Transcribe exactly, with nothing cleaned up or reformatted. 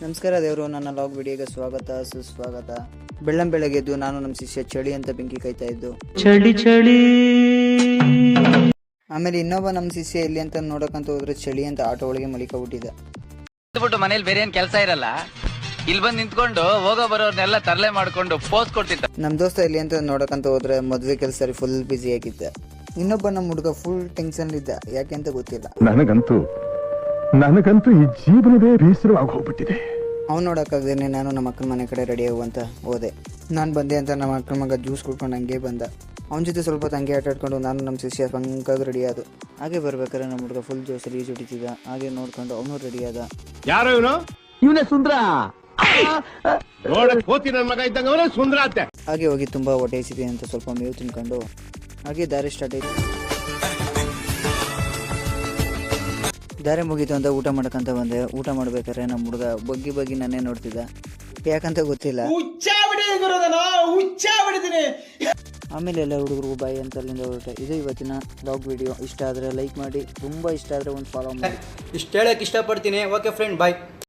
ನಮಸ್ಕಾರ ದೇವರು, ನನ್ನ ಲಾಗ್ ವಿಡಿಯೋಗೆ ಸ್ವಾಗತ ಸುಸ್ವಾಗತ. ಬೆಳ್ಳಂ ಬೆಳಗ್ಗೆ ಎದ್ದು ನಾನು ನಮ್ಮ ಶಿಷ್ಯ ಚಳಿ ಅಂತ ಬೆಂಕಿ ಕಾಯ್ತಾ ಇದ್ದು ಚಳಿ ಚಳಿ. ಆಮೇಲೆ ಇನ್ನೊಬ್ಬ ನಮ್ಮ ಶಿಷ್ಯ ಎಲ್ಲಿ ಅಂತ ನೋಡಕಂತ ಹೋದ್ರೆ ಚಳಿ ಅಂತ ಆಟೋ ಒಳಗೆ ಮಲಿಕೊಂಡ್ಬಿಟ್ಟಿದ್ದ. ಮನೇಲಿ ಬೇರೆ ಏನ್ ಕೆಲಸ ಇರಲ್ಲ, ಇಲ್ಲಿ ಬಂದು ನಿಂತ್ಕೊಂಡು ಹೋಗೋ ಬರೋರ್ನೆಲ್ಲ ತರಲೆ ಮಾಡ್ಕೊಂಡು ಪೋಸ್ ಕೊಡ್ತಿದ್ದ. ನಮ್ಮ ದೋಸ್ತ ಎಲ್ಲಿ ಅಂತ ನೋಡಕಂತ ಹೋದ್ರೆ ಮದುವೆ ಕೆಲಸ ಫುಲ್ ಬ್ಯುಸಿ ಆಗಿದ್ದ. ಇನ್ನೊಬ್ಬ ನಮ್ಮ ಹುಡುಗ ಫುಲ್ ಟೆನ್ಷನ್ ಇದ್ದ, ಯಾಕೆ ಅಂತ ಗೊತ್ತಿಲ್ಲ. ನನಗಂತೂ ನನಗಂತೂ ಈ ಜೀವನವೇ ಬೇಸರವಾಗಿ ಹೋಗ್ಬಿಟ್ಟಿದೆ. ಅವ್ನು ನೋಡೋಕ್ಕಾಗ್ದೇನೆ ನಾನು ನಮ್ಮ ಅಕ್ಕನ ಮನೆ ಕಡೆ ರೆಡಿ ಆಗುವಂತ ಹೋದೆ. ನಾನು ಬಂದೆ ಅಂತ ನಮ್ಮ ಅಕ್ಕನ ಮಗ ಜ್ಯೂಸ್ ಕುಡ್ಕೊಂಡು ಹಂಗೆ ಬಂದ. ಅವನ ಜೊತೆ ಸ್ವಲ್ಪ ಹಂಗೆ ಆಟ ಆಡ್ಕೊಂಡು ನಾನು ನಮ್ಮ ಶಿಷ್ಯ ಪಂಕಾಗಿ ರೆಡಿ ಆದ. ಹಾಗೆ ಬರ್ಬೇಕಾದ್ರೆ ನಮ್ಮ ಹುಡುಗ ಫುಲ್ ಜೋಸಲ್ಲಿ ಈಜು ಹೊಡಿತಿದ್ದ. ಹಾಗೆ ನೋಡ್ಕೊಂಡು ಅವನು ರೆಡಿ ಆದ. ಯಾರೋ ಇವನು ಇವನೇ ಸುಂದ್ರ. ನೋಡಕ್ ಹೋತಿ ನನ್ನ ಮಗ ಇದ್ದಂಗ ಅವನೇ ಸುಂದರ ಅತ್ತೆ. ಹಾಗೆ ಹೋಗಿ ತುಂಬ ಹೊಟ್ಟೆ ಹಸಿದೆ ಅಂತ ಸ್ವಲ್ಪ ಮೇವು ತಿನ್ಕೊಂಡು ಹಾಗೆ ದಾರಿ ಸ್ಟಾರ್ಟ್ ಆಯ್ತು. ದಾರಿ ಮುಗೀತು ಅಂತ ಊಟ ಮಾಡ್ಕೊಂತ ಬಂದೆ. ಊಟ ಮಾಡ್ಬೇಕಾದ್ರೆ ನಮ್ಮ ಹುಡುಗ ಬಗ್ಗಿ ಬಗ್ಗಿ ನನ್ನೇ ನೋಡ್ತಿದ್ದ, ಯಾಕಂತ ಗೊತ್ತಿಲ್ಲ. ಆಮೇಲೆ ಎಲ್ಲ ಹುಡುಗರು ಬಾಯಿ ಅಂತ ಅಲ್ಲಿಂದ ಹೊರಟೆ. ಇದು ಇವತ್ತಿನ ಲಾಗ್ ವಿಡಿಯೋ. ಇಷ್ಟ ಆದರೆ ಲೈಕ್ ಮಾಡಿ, ತುಂಬ ಇಷ್ಟ ಆದರೆ ಒಂದು ಫಾಲೋ ಮಾಡಿ. ಇಷ್ಟ ಹೇಳಕ್ ಇಷ್ಟಪಡ್ತೀನಿ. ಓಕೆ ಫ್ರೆಂಡ್, ಬಾಯ್.